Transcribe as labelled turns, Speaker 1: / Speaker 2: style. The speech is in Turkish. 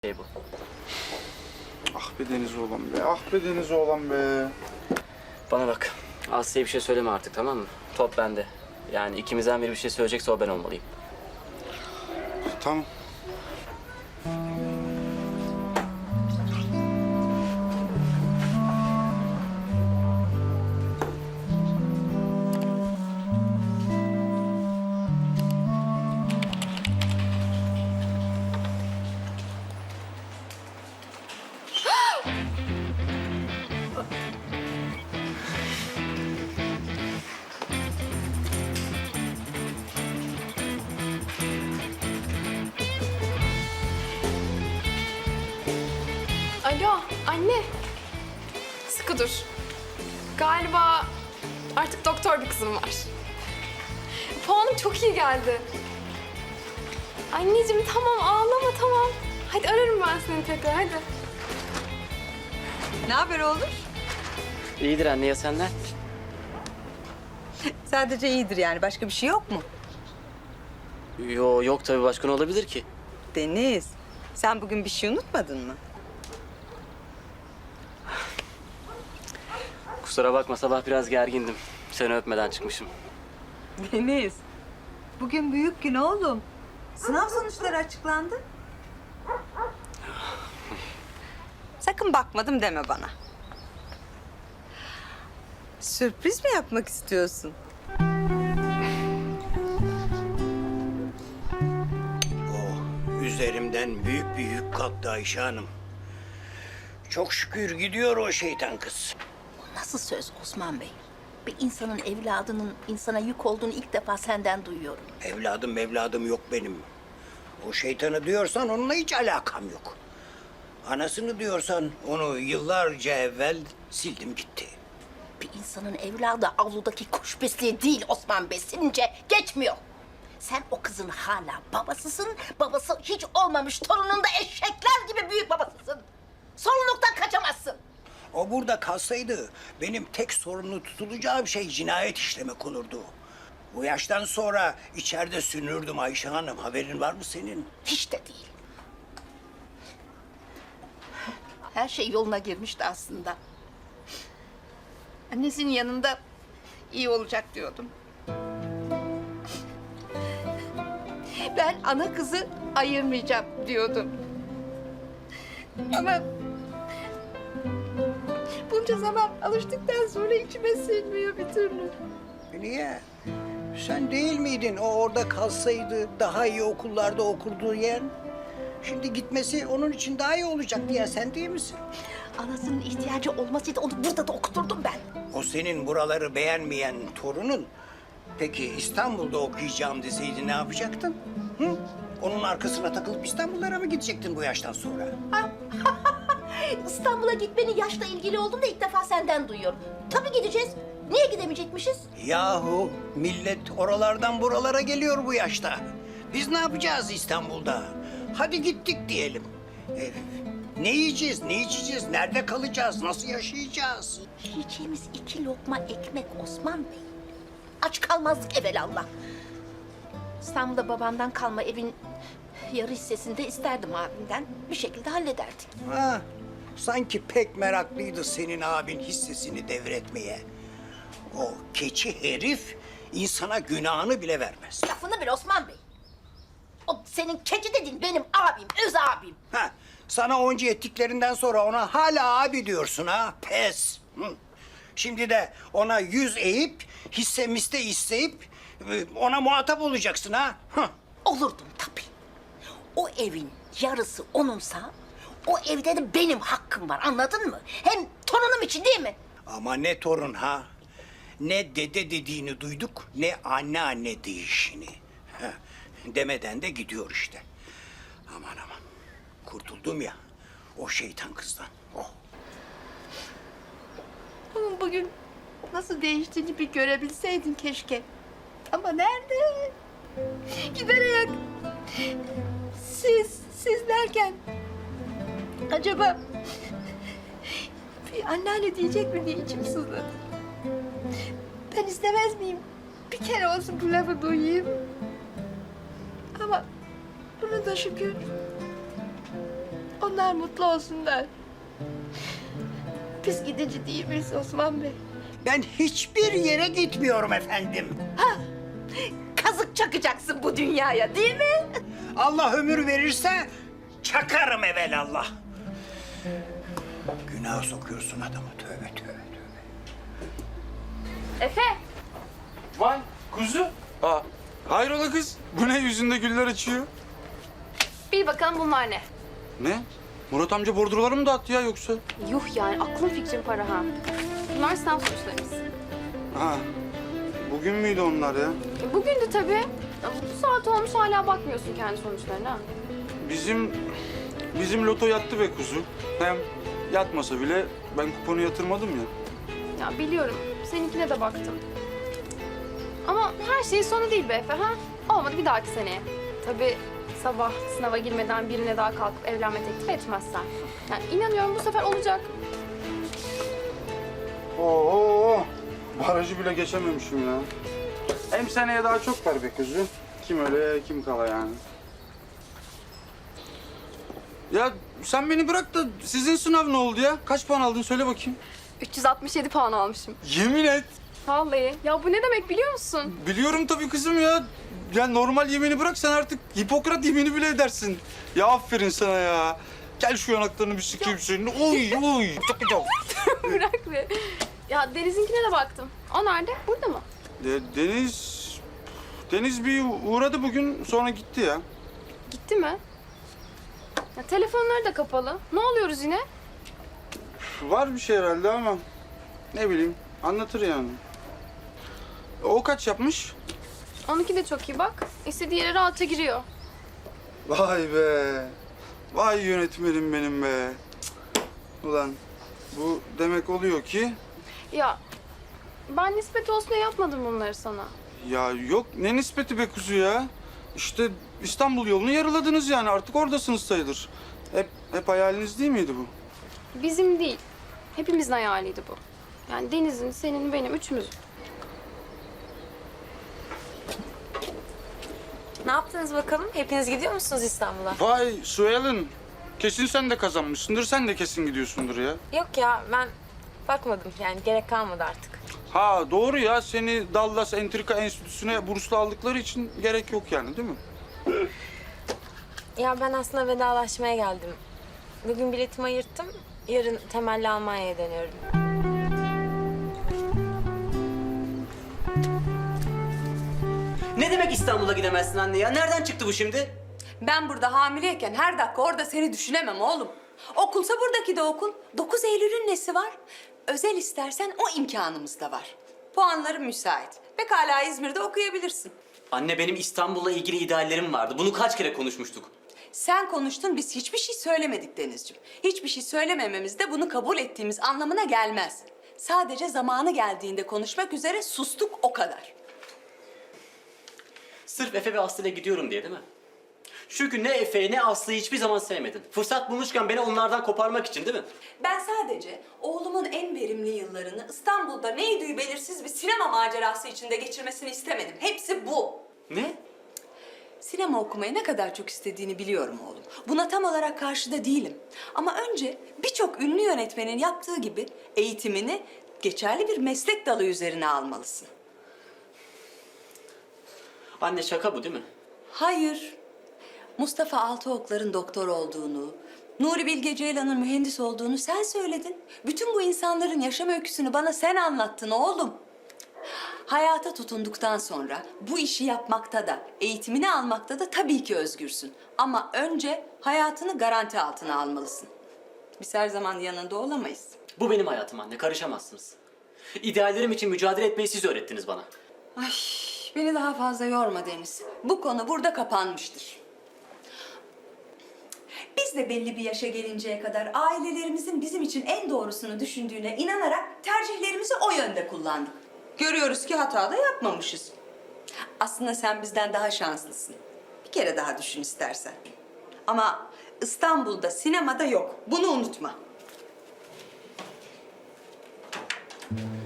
Speaker 1: şey bu.
Speaker 2: Ah be Deniz oğlan be, ah be Deniz oğlan be.
Speaker 1: Bana bak. Aslı'ya bir şey söyleme artık, tamam mı? Top bende. Yani ikimizden biri bir şey söyleyecekse o ben olmalıyım.
Speaker 2: Tamam.
Speaker 3: Alo, anne. Sıkı dur. Galiba artık doktor bir kızım var. Puanım çok iyi geldi. Anneciğim tamam, ağlama tamam. Hadi ararım ben seni tekrar, hadi.
Speaker 4: Ne haber oğlum?
Speaker 1: İyidir anne, ya senden?
Speaker 4: Sadece iyidir yani. Başka bir şey yok mu?
Speaker 1: Yok tabii, başka ne olabilir ki?
Speaker 4: Deniz, sen bugün bir şey unutmadın mı?
Speaker 1: Kusura bakma, sabah biraz gergindim. Seni öpmeden çıkmışım.
Speaker 4: Deniz, bugün büyük gün oğlum. Sınav sonuçları açıklandı. Sakın bakmadım deme bana. Sürpriz mi yapmak istiyorsun?
Speaker 5: Üzerimden büyük bir yük kalktı Ayşe Hanım. Çok şükür gidiyor o şeytan kız.
Speaker 6: Nasıl söz Osman Bey? Bir insanın evladının insana yük olduğunu ilk defa senden duyuyorum.
Speaker 5: Evladım yok benim. O şeytanı diyorsan onunla hiç alakam yok. Anasını diyorsan onu yıllarca evvel sildim gitti.
Speaker 6: Bir insanın evladı avludaki kuş besleği değil Osman Bey. Silince geçmiyor. Sen o kızın hala babasısın. Babası hiç olmamış torunun da eşekler gibi büyük babasısın. Sorumluluktan kaçamazsın.
Speaker 5: O burada kalsaydı benim tek sorumlu tutulacağım şey cinayet işlemek olurdu. Bu yaştan sonra içeride sünürdüm Ayşe Hanım. Haberin var mı senin?
Speaker 6: Hiç de değil. Her şey yoluna girmişti aslında. Annesinin yanında iyi olacak diyordum. Ben ana kızı ayırmayacağım diyordum. Ama bunca zaman alıştıktan sonra içime sinmiyor bir türlü.
Speaker 5: Niye? Sen değil miydin o orada kalsaydı daha iyi okullarda okurdu yer? Şimdi gitmesi onun için daha iyi olacak diye sen değil misin?
Speaker 6: Anasının ihtiyacı olmasıydı onu burada da okuturdum ben.
Speaker 5: O senin buraları beğenmeyen torunun peki İstanbul'da okuyacağım deseydi ne yapacaktın? Hı? Onun arkasına takılıp İstanbullara mı gidecektin bu yaştan sonra?
Speaker 6: İstanbul'a gitmenin yaşla ilgili olduğunu da ilk defa senden duyuyorum. Tabii gideceğiz. Niye gidemeyecekmişiz?
Speaker 5: Yahu millet oralardan buralara geliyor bu yaşta. Biz ne yapacağız İstanbul'da? Hadi gittik diyelim. Ne yiyeceğiz, ne içeceğiz, nerede kalacağız, nasıl yaşayacağız?
Speaker 6: Yiyeceğimiz 2 lokma ekmek Osman Bey. Aç kalmazdık evelallah. İstanbul'da babamdan kalma evin yarı hissesini de isterdim abimden. Bir şekilde hallederdik.
Speaker 5: Ha, sanki pek meraklıydı senin abin hissesini devretmeye. O keçi herif insana günahını bile vermez.
Speaker 6: Lafını bil Osman Bey. O senin keçi dediğin benim abim, öz abim.
Speaker 5: Ha, sana onca ettiklerinden sonra ona hala abi diyorsun ha? Pes. Hı. Şimdi de ona yüz eğip, hisse miste isteyip ona muhatap olacaksın ha? Hı.
Speaker 6: Olurdum tabii. O evin yarısı onunsa o evde de benim hakkım var anladın mı? Hem torunum için değil mi?
Speaker 5: Ama ne torun ha? Ne dede dediğini duyduk, ne anne deyişini. Ha, demeden de gidiyor işte. Aman aman, kurtuldum ya o şeytan kızdan. Oh.
Speaker 6: Onun bugün nasıl değiştiğini bir görebilseydin keşke. Ama nerede? Giderek. Siz derken acaba bir anneanne diyecek mi diye içim sızladı. Ben istemez miyim? Bir kere olsun bu lafı duyayım. Ama bunu da şükür
Speaker 3: onlar mutlu olsunlar. Biz gidici değil miyiz Osman Bey?
Speaker 5: Ben hiçbir yere gitmiyorum efendim.
Speaker 6: Kazık çakacaksın bu dünyaya değil mi?
Speaker 5: Allah ömür verirse çakarım evelallah. Günah sokuyorsun adamı, tövbe tövbe tövbe.
Speaker 3: Efe,
Speaker 2: Vay kuzu. Aa, hayrola kız? Bu ne yüzünde güller açıyor?
Speaker 3: bil bakalım bunlar ne?
Speaker 2: Ne? Murat amca bordroları mı dağıttı ya yoksa?
Speaker 3: Yuh yani aklın fikrin para ha. Bunlar sınav sonuçlarımız.
Speaker 2: Ha. Bugün müydü onlar ya?
Speaker 3: Bugündü tabii. Ya bu saat olmuş hala bakmıyorsun kendi sonuçlarına.
Speaker 2: Bizim loto yattı be kuzu. Hem yatmasa bile ben kuponu yatırmadım ya.
Speaker 3: Ya biliyorum. Seninkine de baktım. Ama her şeyin sonu değil be Efe ha. Olmadı bir dahaki seneye. Tabii sabah sınava girmeden birine daha kalkıp evlenme teklif etmezsen. Yani inanıyorum bu sefer olacak.
Speaker 2: Oo, barajı bile geçememişim ya. Hem seneye daha çok var be kuzu. Kim öyle kim kala yani. Ya sen beni bırak da sizin sınav ne oldu ya? Kaç puan aldın söyle bakayım.
Speaker 3: 367 puan almışım.
Speaker 2: Yemin et.
Speaker 3: Vallahi. Ya bu ne demek biliyor musun?
Speaker 2: Biliyorum tabii kızım ya. Ya normal yemini bırak sen artık Hipokrat yemini bile edersin. Ya aferin sana ya. Gel şu yanaklarını bir sikeyim senin. Oy oy. Çok güzel.
Speaker 3: Bırak be. Ya Deniz'inkine de baktım. O nerede? Burada mı?
Speaker 2: Deniz bir uğradı bugün sonra gitti ya.
Speaker 3: Gitti mi? Ya telefonları da kapalı. Ne oluyoruz yine?
Speaker 2: Var bir şey herhalde ama ne bileyim anlatır yani. O kaç yapmış?
Speaker 3: Onunki de çok iyi bak. İstediği yere rahatça giriyor.
Speaker 2: Vay be. Vay yönetmenim benim be. Cık. Ulan bu demek oluyor ki
Speaker 3: Ya ben nispet olsun diye yapmadım bunları sana.
Speaker 2: ya yok ne nispeti be kuzu ya. İşte İstanbul yolunu yarıladınız yani artık oradasınız sayılır. Hep hayaliniz değil miydi bu?
Speaker 3: Bizim değil. Hepimizin hayaliydi bu. Yani Deniz'in, senin, benim, üçümüzün.
Speaker 7: Ne yaptınız bakalım? Hepiniz gidiyor musunuz İstanbul'a?
Speaker 2: Vay Suel'in. Kesin sen de kazanmışsındır. Sen de kesin gidiyorsundur ya.
Speaker 7: Yok ya ben bakmadım yani gerek kalmadı artık.
Speaker 2: Ha doğru ya. Seni Dallas Entrika Enstitüsü'ne burslu aldıkları için gerek yok yani değil mi?
Speaker 7: Ya ben aslında vedalaşmaya geldim. Bugün biletimi ayırttım. Yarın temelli Almanya'ya dönüyorum.
Speaker 1: Ne demek İstanbul'a gidemezsin anne ya? Nereden çıktı bu şimdi?
Speaker 4: Ben burada hamileyken her dakika orada seni düşünemem oğlum. Okulsa buradaki de okul. 9 Eylül'ün nesi var? Özel istersen o imkanımız da var. Puanların müsait. Pekala İzmir'de okuyabilirsin.
Speaker 1: Anne benim İstanbul'la ilgili ideallerim vardı. Bunu kaç kere konuşmuştuk.
Speaker 4: Sen konuştun, biz hiçbir şey söylemedik Denizciğim. Hiçbir şey söylemememiz de bunu kabul ettiğimiz anlamına gelmez. Sadece zamanı geldiğinde konuşmak üzere sustuk, o kadar.
Speaker 1: Sırf Efe ve Aslı'yla gidiyorum diye değil mi? Çünkü ne Efe'yi ne Aslı'yı hiçbir zaman sevmedin. Fırsat bulmuşken beni onlardan koparmak için değil mi?
Speaker 4: Ben sadece oğlumun en verimli yıllarını İstanbul'da neydi belirsiz bir sinema macerası içinde geçirmesini istemedim. Hepsi bu.
Speaker 1: Ne?
Speaker 4: Sinema okumayı ne kadar çok istediğini biliyorum oğlum. Buna tam olarak karşıda değilim. Ama önce birçok ünlü yönetmenin yaptığı gibi eğitimini geçerli bir meslek dalı üzerine almalısın.
Speaker 1: Anne şaka bu değil mi?
Speaker 4: Hayır. Mustafa Altıoklar'ın doktor olduğunu, Nuri Bilge Ceylan'ın mühendis olduğunu sen söyledin. Bütün bu insanların yaşam öyküsünü bana sen anlattın oğlum. Hayata tutunduktan sonra bu işi yapmakta da, eğitimini almakta da tabii ki özgürsün. Ama önce hayatını garanti altına almalısın. Biz her zaman yanında olamayız.
Speaker 1: Bu benim hayatım anne. Karışamazsınız. İdeallerim için mücadele etmeyi siz öğrettiniz bana.
Speaker 4: Ay, beni daha fazla yorma Deniz. Bu konu burada kapanmıştır. Biz de belli bir yaşa gelinceye kadar ailelerimizin bizim için en doğrusunu düşündüğüne inanarak tercihlerimizi o yönde kullandık. Görüyoruz ki hata da yapmamışız. Aslında sen bizden daha şanslısın. Bir kere daha düşün istersen. Ama İstanbul'da sinemada yok. Bunu unutma.